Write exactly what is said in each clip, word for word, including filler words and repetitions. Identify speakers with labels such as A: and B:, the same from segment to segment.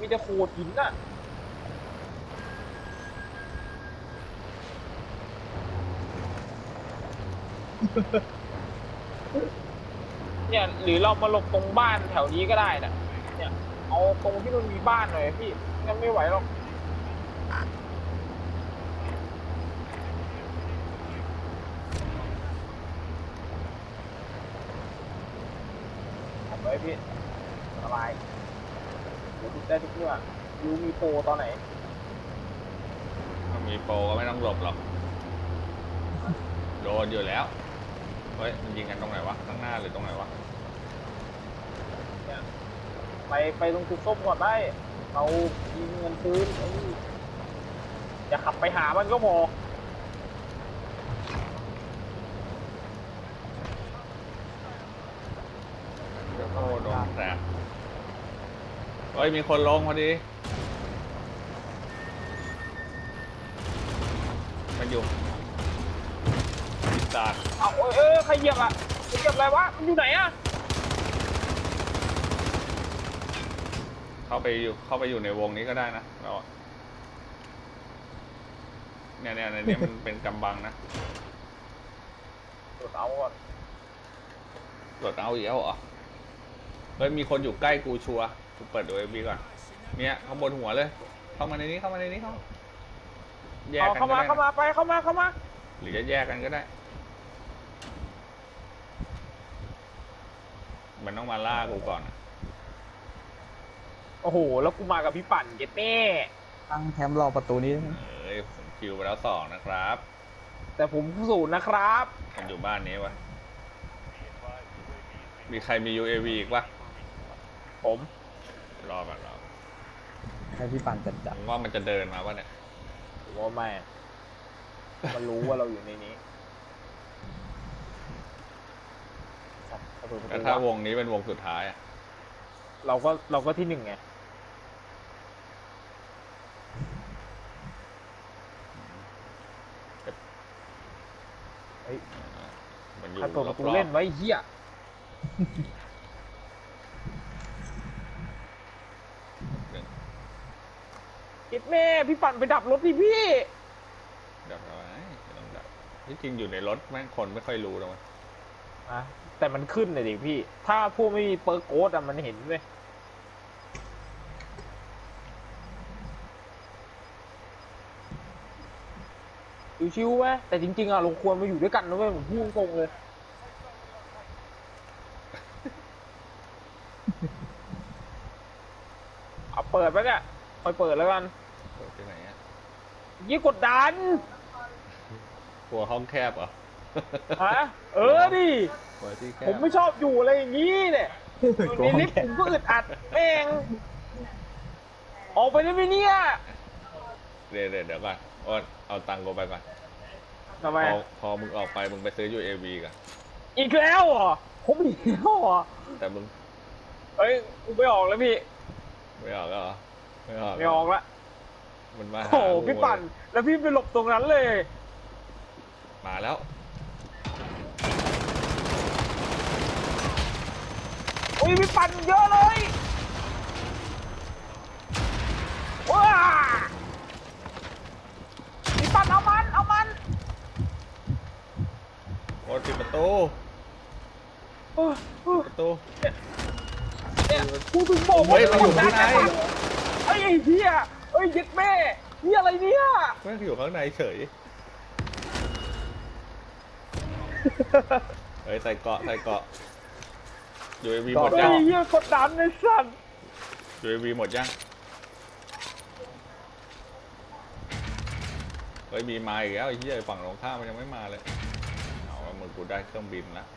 A: มีแต่โขดหินน่ะเนี่ยหรือเรามาหลบตรงบ้านแถวนี้ก็ได้นะเนี่ยเอาตรงที่มันมีบ้านหน่อยพี่งั้นไม่ไหวหรอกทำไว้พี่สบายเดี๋ยวดูได้ทุกเมื่อรู้มีโปรตอนไหน
B: มีโปรก็ไม่ต้องหลบหรอกโดนอยู่แล้วเฮ้ยมันยิงกันตรงไหนวะข้างหน้าหรือตรงไหนวะ
A: ไปไปตรงจุดส้มก่อนได้เรามีเงินซื้อไอ้นี่อย่าขับไปหามันก็พอ
B: เดี๋ยวโอ้โดนแตกเฮ้ยมีคนลงพอดีมันอยู่ปีศาจ
A: เอาเออเออใครเหยียบอ่ะใครเหยียบอะไรวะมันอยู่ไหนอ่ะ
B: เข้าไปอยู่เข้าไปอยู่ในวงนี้ก็ได้นะเราเนี่ยเนี่ยในนี้มันเป็นกำบังนะ
A: ตรวจเอาก่อน
B: ตรวจเอาอีกแล้วเหรอเฮ้ยมีคนอยู่ใกล้กูชัวร์กูเปิดดูเอบีก่อนเนี่ยข้างบนหัวเลยเข้ามาในนี้เข้ามาในนี้เข้าแยกกัน
A: เข้ามาเข้ามาไปเข้ามาเข้ามา
B: หรือจะแยกกันก็ได้มันต้องมาล่ากูก่อน
A: โอ้โหแล้วกูมากับพี่ปั่นเจ็ดแน่
C: ตั้งแคมป์รอประตูนี้
B: เอ้ยผมคิวไปแล้วสองนะครับ
A: แต่ผมศูนย์นะครับ
B: มันอยู่บ้านนี้วะมีใครมี ยู เอ วี อีกวะ
A: ผม
B: รอก่อนรอ
C: ให้พี่ปั่นจัดจัด
B: ว่ามันจะเดินมาวะเนี่ย
A: ผมว่าไม่มันรู้ว่าเราอยู่ในนี้
B: แต่ถ้าวงนี้เป็นวงสุดท้ายอะ
A: เราก็เราก็ที่หนึ่งไงเฮ้ย
B: มันอยู่
A: ใครเปิดประตูเล่นไว้เหี้ยคิดแม่พี่ปั่นไปดับรถดิพี่
B: ดับอะไรไม่ต้องดับที่จริงอยู่ในรถแม่งคนไม่ค่อยรู้หรอก
A: นะแต่มันขึ้นเลยดิพี่ถ้าพวกไม่มีเปิร์กโค้ดอะมันเห็นเลยชิวๆไหมแต่จริงๆอะเราควรมาอยู่ด้วยกันนะเว้ยผมพูดตรงเลยเอาเปิดไปเนี่ยคอยเปิดแล้วกัน
B: เปิดที่ไหนอะ
A: ยี่กดดัน
B: กลัวห้องแคบเหรอ
A: ฮะเออดิผมไม่ชอบอยู่อะไรอย่างนี้เนี่ยในลิฟต์ผมก็อึดอัดแม่งออกไปได้ไหมเนี่ย
B: เดี๋ยวเดี๋ยวก่อนโอ๊ตเอาตังค์กูไปก่อน
A: ทำไม
B: พอพอมึงออกไปมึงไปซื้อ ยู เอ วี กัน
A: อีกแล้วเหรอผมอีกแล้วเหรอ
B: แต่มึง
A: เฮ้ยกูไม่ออกแล้วพี่
B: ไม่ออกแล้วเหรอไม่ออก
A: ไม่ออกละ
B: มันมา
A: โอ้พี่ปั่นแล้วพี่ไปหลบตรงนั้นเลย
B: มาแล้ว
A: โอ้ยพี่ปั่นเยอะเลยว้าพี่ปั่นเอามันเอามัน
B: โอ๊ตปิดประตูประตู
A: เนี่ยกูถึงบอกว่า
B: มันอยู่ข้างใน
A: ไอ้เหี้ยเอ้ยยึดแม่นี่อะไรเนี่ย
B: แม่งอยู่ข้างในเฉยเฮ้ยใส่เกาะใส่เกาะ ยู เอ วี หมดยัง
A: ไอ้เหี้ยกดดันไอ้สัส
B: ยู เอ วี หมดยังเฮ้ยมีมาอีกแล้วไอ้เหี้ยฝั่งตรงข้ามมันยังไม่มาเลยเอาว่ามึงกูได้เครื่องบินแล้ว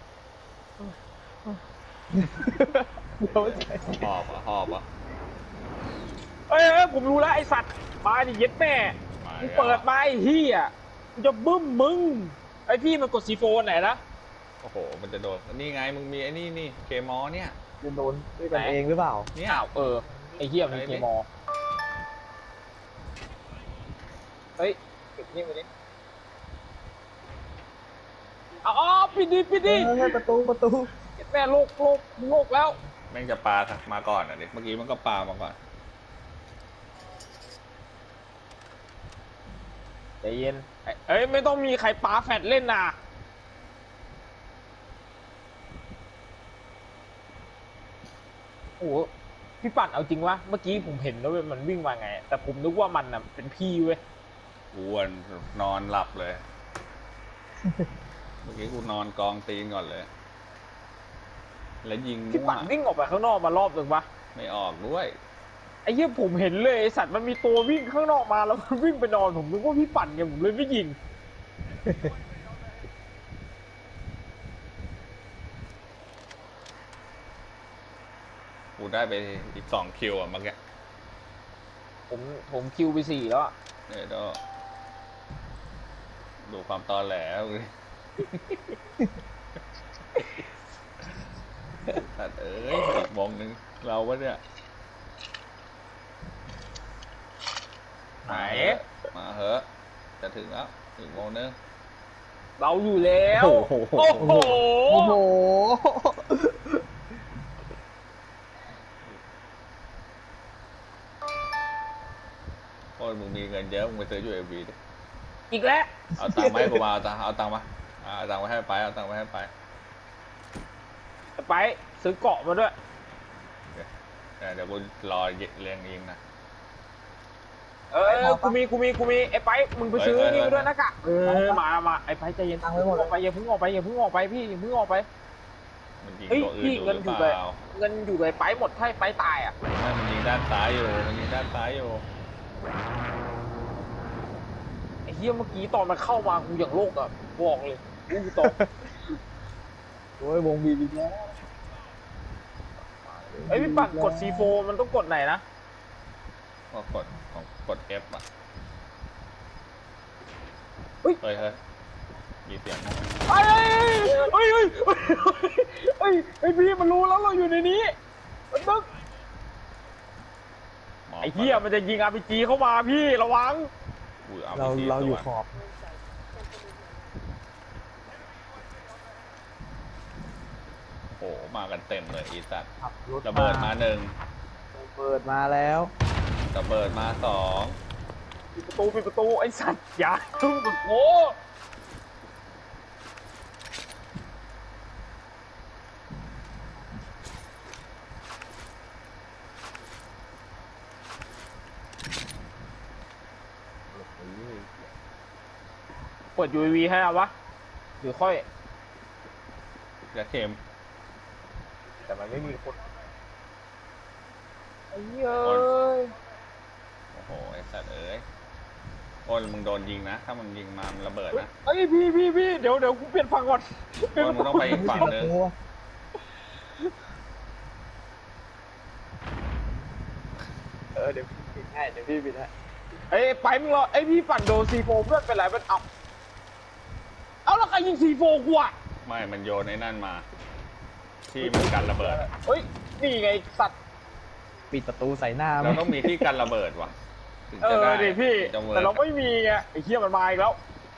B: หอบอ่ะหอบอ่ะ
A: เอ้ยผมรู้แล้วไอ้สัตว์มาดิเย็ดแม่มึงเปิดมาไอ้เหี้ยมึงจะบึ้มมึงไอ้พี่มันกดซีโฟนไหนนะ
B: โอ้โหมันจะโดนนี่ไงมึงมีไอ้นี่นี่เคมอเนี่ย
C: จะโดนด้วยกันเองหรือเปล่า
B: เนี่ย
A: เออไอ้เหี้ยมันเคมอเฮ้ยปิดนี่ไปดิอ๋อปิดดิปิดดิ
C: ประตูประตู
A: แม่โลกโลกโลกแล้ว
B: แม่งจะปามาก่อนอ่ะเด็กเมื่อกี้มันก็ปามาก่อน
A: ใจเย็นเอ้ยไม่ต้องมีใครปาแฟดเล่นนะโอ้โหพี่ปั่นเอาจริงวะเมื่อกี้ผมเห็นแล้วมันวิ่งมาไงแต่ผมนึกว่ามันน่ะเป็นพี่เว้ย
B: กูวนนอนหลับเลย เมื่อกี้กูนอนกองตีนก่อนเลย แล้วยิง
A: พี่
B: มั่ว
A: ปั่นวิ่งออกไปข้างนอกมารอบหนึ่งปะ
B: ไม่ออกด้วย
A: ไอ้เหี้ยผมเห็นเลยไอ้สัตว์มันมีตัววิ่งข้างนอกมาแล้วมันวิ่งไปนอนผมนึกว่าพี่ปั่นไงผมเลยไม่ยิง
B: กูได้ไปอีกสองคิวอ่ะเมื่อกี้
A: ผมผมคิวไปสี่แล้วอะ
B: เดี๋ยวก็ดูความตอแหลเลยสัตว์เอ้ยอีกวงหนึ่งเราวะเนี่ย
A: ไหน
B: มาเหอะจะถึงแล้วอีกวงหนึง
A: เราอยู่แล้ว
B: โอ้โห
A: โอ้โห
C: โอ้โห
B: โอ้ยมึงมีเงินเยอะมึงไปซื้อยูเอวีดิ
A: อีกแล้ว
B: เอาตังค์มาให้กูมาเอาตังค์เอาตังค์มาอ่าเอาตังค์มาให้ไปเอาตังค์มาให้ไป
A: ไปซื้อเกาะมาด้วย
B: เดี๋ยวเดี๋ยวกูรอเรียงยิงนะ
A: เออกูมีกูมีกูมีไอ้ไปมึงไปซื้อ
B: เฮ้ย
A: นี่
B: เฮ้ย
A: มาด้วยนะกะเออมามาไอ้ไปใจเย็น
C: ตังค์ไว้หมดเลย
A: ออกไปอย่าเพิ่งออกไปอย่าเพิ่งออกไปพี่อย่าเพิ่งออกไป
B: มันยิง
A: เฮ้ย
B: ตัวอื่น
A: พี่
B: อยู่
A: เงิน
B: ห
A: อ
B: รื
A: ยู่
B: อ
A: เล
B: เป
A: ย
B: ล่า
A: เงินอยู่เลยไปหมดถ้าไปตายอ่ะ
B: ไม่มันยิงด้านซ้ายอยู่มันยิงด้านซ้ายอยู่
A: ไอ้เหี้ยเมื่อกี้ตอนมันเข้ามากูอย่างโลกอ่ะบอกเลยกูตก
C: โอ้ยวงบีบีแล้ว
A: ไอ้ยพี่ปั่นกด ซี โฟร์ มันต้องกดไหนนะ
B: ก็กดของกด F อ่ะ
A: เฮ้ย
B: เฮ้ยเฮ้ยมีเสียงนะ
A: เอ้ยเฮ้ยเฮ้ยเฮ้ยเฮ้ยไอ้พี่มันรู้แล้วเราอยู่ในนี้มันตึ๊ก
B: หมบ
A: ไอ้เหี้ยมันจะยิง อาร์ พี จี เข้ามาพี่ระวัง
B: อุ้ยอ
C: เรา
B: ไปที
C: เราอยู่
B: ตัว
C: ขอบ
B: โอ้โหมากันเต็มเลยอีสัตว์
C: ขับรถ
B: ระเบิดมาหนึ่ง
C: ระเบิดมาแล้ว
B: ระเบิดมาสอง
A: ปิดประตูปิดประตูไอ้สัตว์อย่าทุ่มกับโอ้เปิด ยู เอ วี ให้เอาวะหรือค่อย
B: และเข็ม
A: แต่มันไม่มีคนไอ้เหี้ยเอ้ย
B: โอ้โหไอ้สัตว์เอ้ยโอ้ยมึงโดนยิงนะ ถ้ามึงยิงมามันระเบิดนะ
A: เอ้ยพี่พี่พี่เดี๋ยวเดี๋ยวกูเปลี่ยนฝั่งก่อน
B: โอ้ยมึงต้องไปอีกฝั่งหนึ่ง
C: โอ้ เออเดี๋ยวพี่ปิดให้เดี๋ยวพี่ปิดให้
A: เอ้ยไปมึงรอไอ้ยพี่ปั่นโดน ซี โฟร์ เพื่อนเป็นไรเป็นเอาเอาแล้วใครยิง ซี โฟร์ กูอะ
B: ไม่มันโยนไอ้นั่นมา ที่มันกันระเบิดอะ
A: เฮ้ยนี่ไงสัตว์
C: ปิดประตูใส่หน้าไหม
B: เราต้องมีที่กันระเบิดว่ะถึง
A: เอ
B: จะ
A: อ
B: ได้
A: ดิพี่
B: ถึงจะวิ
A: แต่เรา
B: ร์ก
A: ไม่มีไงไอ้เหี้ยมันมาอีกแล้ว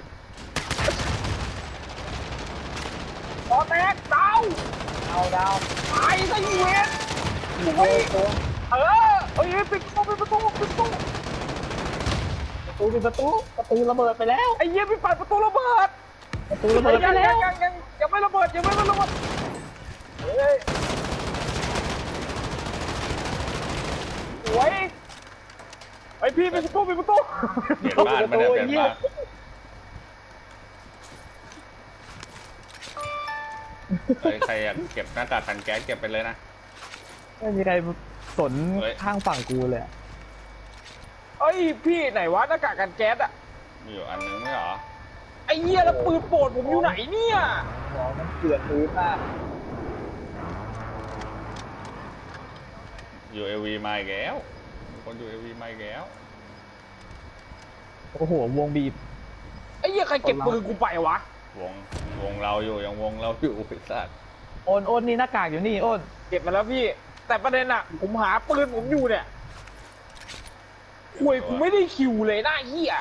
A: ตอแตกดาว
C: เอาดาว
A: ตายซะอีเวน
C: โอ้โห
A: เออเอ้ยปิดประตูปิดประตูปิดประตู
C: ประตูปิดประตูประตูระเบิดไปแล้ว
A: ไอ้เหี้ยพี่ปั่นประตูระเบิด
C: ประตูระเบิดไป
A: ยัง
C: แล้
A: ยัง
C: ว
A: ยังยังยังไม่ระเบิดยังไม่ระเบิดเฮ้ยสวยไอ้พี่ปิดประตูปิดประตู
B: เปลี่ยนบ้านมาเนี่ยเปลี่ยนบ้านเฮ้ยใครอยากเก็บหน้ากากกันแก๊สเก็บไปเลยนะ
C: ไม่มีใครสน
B: เฮ้ย
C: ข้างฝั่งกูเลยอะ
A: เอ้ยพี่ไหนวะหน้ากากกันแก๊สอะ
B: มีอยู่อันนึงไม่เหรอ
A: ไอ้เหี้ยแล้วปืนโปรดผมอยู่ไหนเนี่ย
C: ของมันเกลื่อนพื้นมาก
B: ยูเอวีมาอีกแล้วมีคนยูเอวีมาอีกแล้ว
C: โอ้โหวงบีบ
A: ไอ้เหี้ยใครเก็บปืนกูไปวะ
B: วงวงเราอยู่ยังวงเราอยู่ไอ้สัตว์
C: โอนโอนนี่หน้ากากอยู่นี่โอน
A: เก็บมาแล้วพี่ แต่ประเด็นอะผมหาปืนผมอยู่เนี่ยคุยกูไม่ได้คิวเลยหน้าเหี้ย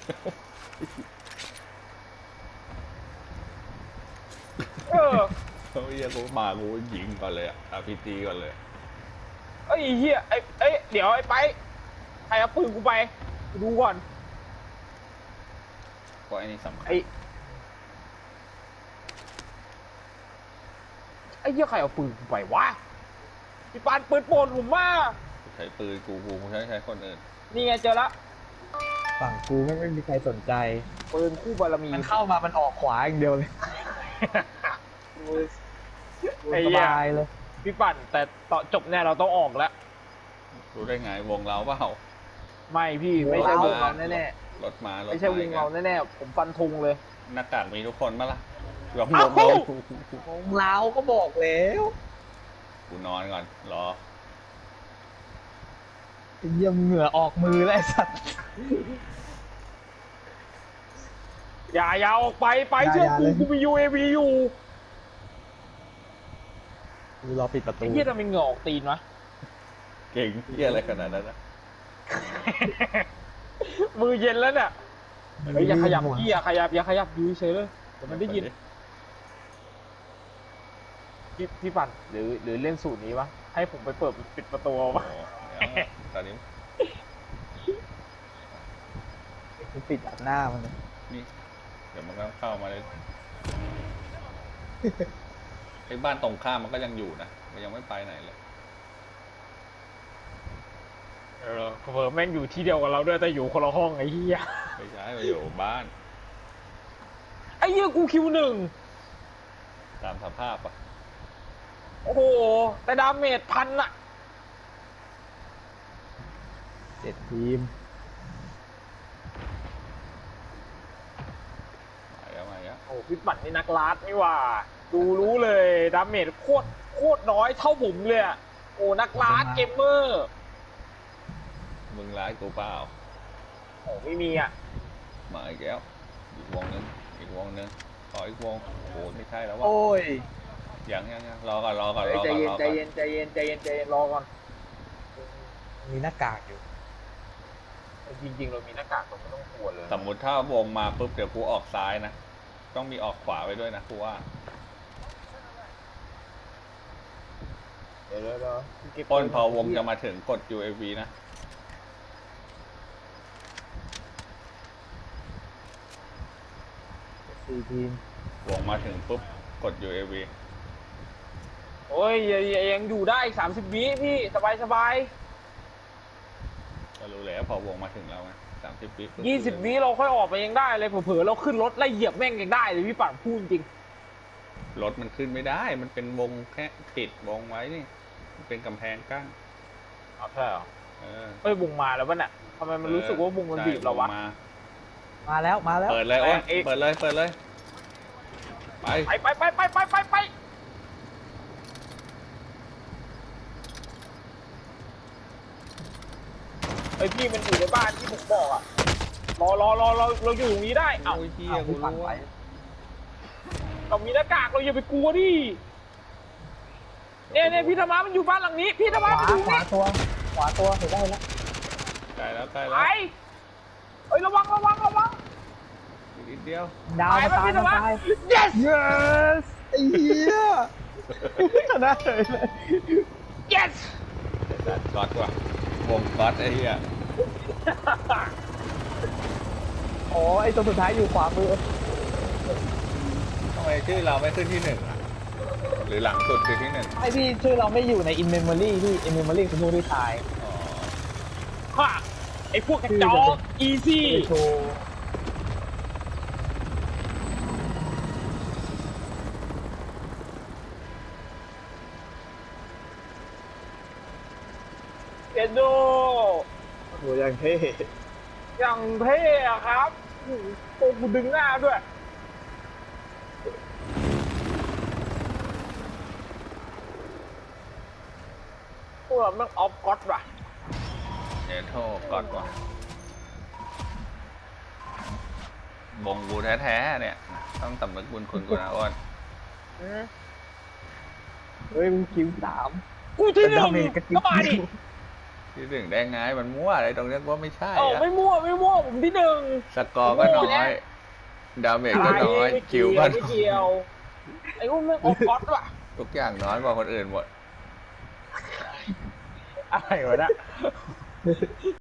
A: เออ
B: เขาเรียกกูมากูยิงก่อนเลยอะอาร์พีจีก่อนเลย
A: ไอ้เหี้ยไอ้ไอ้ยเดี๋ยวไอ้ไปใครเอาปืนกูไปกูดูก่อน
B: ว่าไอ้นี่สำคัญ
A: ไอ้ไอ้เหี้ยใครเอาปืนกูไปวะพี่ปานปืนโปนผมมา
B: ใช้ปืนกูกูใช้ใช้คนอื่น
A: นี่ไงเจอละ
C: ฝั่งกูไม่ไม่มีใครสนใจ
A: ปืนคู่บารมี
C: มันเข้ามามันออกขวาอย่างเดียวเลย
A: ไอ้
C: ส
A: เหี้ย
C: บายเลย
A: พี่ปั่นแต่ต่อจบเนี่ยเราต้องออกแล้ว
B: รู้ได้ไงวงเราเปล่า
A: ไม่พี่ไม่ใช่วงเราแน่
B: รถมาร
A: ๆ
B: ถ
A: ไม่ใช่วงเรา
B: มา
A: แน่ๆผมฟันธงเลย
B: หน้ากากมีทุกคนปะล่ะหลง
A: เอ้า
B: วงเรา
C: ของเราก็บอกแล้ว
B: กูนอนก่อนรอ
C: เยี่ยมเหงื่อออกมือแล้วไอ้สัตว์
A: อย่าอย่าออกไปไป
C: อย่า
A: เชื่อ
C: อย่า
A: กู
C: เลย
A: กูมี ยู เอ วี อยู่
C: กูรอปิดประตู
A: ไอ้เหี้ยทำไมเหงื่อออกตีนวะ
B: เก่งเที่ยอะไรขนาดนั้นนะ
A: มือเย็นแล้วเนี่ยเฮ้ยอย่าขยับพี่อย่าขยับอย่าขยับอยู่เฉยเลยเดี๋ยวมันได้ยินพี่พี่ปั่นหรือหรือเล่นสูตรนี้วะให้ผมไปเปิดปิดประตูเอา
B: โอ้
A: วะ
B: โหเดี๋ยวตอนนี้
C: กูปิดอัดหน้ามันเลย
B: นี่เดี๋ยวมันก็เข้ามาเลยไอ้บ้านตรงข้ามมันก็ยังอยู่นะมันยังไม่ไปไหนเลย
A: เออเผลอแม่งอยู่ที่เดียวกับเราด้วยแต่อยู่คนละห้องไอ้เหี้ย
B: ไม่ใช่มาอยู่บ้าน
A: ไอ้เหี้ยกูคิวหนึ่ง
B: ตามสภาพอ่ะ
A: โอ้โหแต่ดาเมจพันอะ
C: เจ็ดทีม
B: มาแล้วมาแล้ว
A: โอ้พี่ปั่นนี่นักลาดนี่หว่า ดูรู้เลยดาเมจโคตรโคตรน้อยเท่าผมเลยอะโอ้นักลาดเกมเมอร์
B: มึงร้ายกูเปล่า
A: โอ้ไม่มีอะ
B: มาอีกแล้วอีกวงนึงอีกวงนึงขออีกวงโอ้ไม่ใช่แล้ววะ
C: โอ้ย
B: ยังยังยังรอก่อนรอก่อน
A: เฮ้ย
B: รอ
A: ใจ
B: ก่อน
A: เย็น
B: รอ
A: ใจ
B: ก่อน
A: เย็นใจเย็นใจเย็นใจเย็นรอก่อน
C: มีหน้ากากอยู่
A: จริงๆเรามีหน้ากากเราไม่ต้องกลัวเลย
B: สมมุติถ้าวงมาปุ๊บเดี๋ยวกูออกซ้ายนะต้องมีออกขวาไปด้วยนะกูว่า
A: เดี๋ยวเดี๋ยวเดี๋ยวเก็บ
B: ต้นพอวงจะมาถึงกด ยู เอ วี นะ
C: สี่ทีม
B: วงมาถึงปุ๊บกด ยู เอ วี
A: โอ้ยยังยังอยู่ได้สามสิบวิพี่สบายสบาย
B: ก็รู้แล้วพอวงมาถึงแล้วไงสามสิบวิปุ๊
A: ยี่สิบวิเราค่อยออกไปยังได้เลยเผลอๆเราขึ้นรถไล่เหยียบแม่งยังได้เลยพี่ปั่นพูดจริง
B: รถมันขึ้นไม่ได้ มันเป็นวงแค่ปิดวงไว้นี่มันเป็นกำแพงกั้น
A: เอาใช่เหรอ
B: เออ
A: เอ้ยวงมาแล้ววะเนี่ยทำไมมันรู้สึกว่าวงมันบีบเราวะ
B: ใช่งมา
C: มาแล้วมาแล้ว
B: เปิดเลยโอ้น
A: เอ๊ะ
B: เปิดเลยเปิดเลยไป
A: ไปไปไปไปไปไปไปไอพี่มันอยู่ในบ้านที่ผมบอกอะรอรอรอเราเราอยู่ตรงนี้ได้เอ้า
B: โอ้ยเฮีย
C: เอา
B: กู
C: พี่ปั่น
B: รู้
C: ไป
B: ว่า
A: เรามีหน้ากากเราอย่าไปกลัวดิเนี่ยเนี่ยพี่ธรรมะมันอยู่บ้านหลังนี้ พี่ธรร
C: ข
A: มะ
C: วา
A: มันอยู่
C: ขวา
A: นี่
C: ตัว ขวาตัวเห็นได้แล้ว
B: ใกล้แล้วใกล้
A: ไป
B: แล้ว
A: เอ้ยระวังระวังระวัง
B: อีกนิดเดียว
C: ดาวมา
A: ไป
C: ตาย
A: พี่ธรร
C: มาม
A: ะ
C: ตาย
A: yes
C: yes ไอ้เหี้ยชนะเลยเลย
A: yes
B: จัดก๊อตว่ะวงก๊อตไอ้เหี้ย
C: โอ้ไอ้ตัวสุดท้ายอยู่ขวามือ
B: ทำไมชื่อเราไม่ขึ้นที่หนึ่งอ่ะหรือหลังสุดคือที่หนึ่ง
C: ไอพี่ชื่อเราไม่อยู่ใน in memory ที่ in memory คือผู้ที่ตาย
B: อ๋อ
A: ฮ่าไอพวกกระจอก easy
C: ไปโชว์
A: เอ็นโด
C: โหอย่างเท่
A: อย่างเท่อะครับโอ้โหโตกูดึงหน้าด้วย พวกเราแม่งออฟก๊อตว่ะ
B: เนโทก๊อตว่ะวงกูแท้ๆเนี่ย ต้องสำนึกบุญคุณกูนะอ้น
A: อืม
C: เฮ้ยมึงคิวสาม
A: กูที่หนึ่ง
C: ดาเมจกระจิ๊บ
A: ก็มาดิ
B: ที่หนึ่งได้ไงมันมั่วอะไรตรงเนี้ยว่าไม่ใช่
A: เออ
B: อะ
A: ไม่มั่วไม่มั่วผมที่หนึ่ง
B: สกอร์ก็น้อย ดาเมจก็น้อย
A: ไม่
B: คิ
A: เกี่ยว
B: วก็
A: ไม่เกี่ยว ไอ้พวกแม่งออฟก๊อตว่ะ
B: ทุกอย่างน้อยกว่าคนอื่นหมด
A: อะไรวะเนี่ย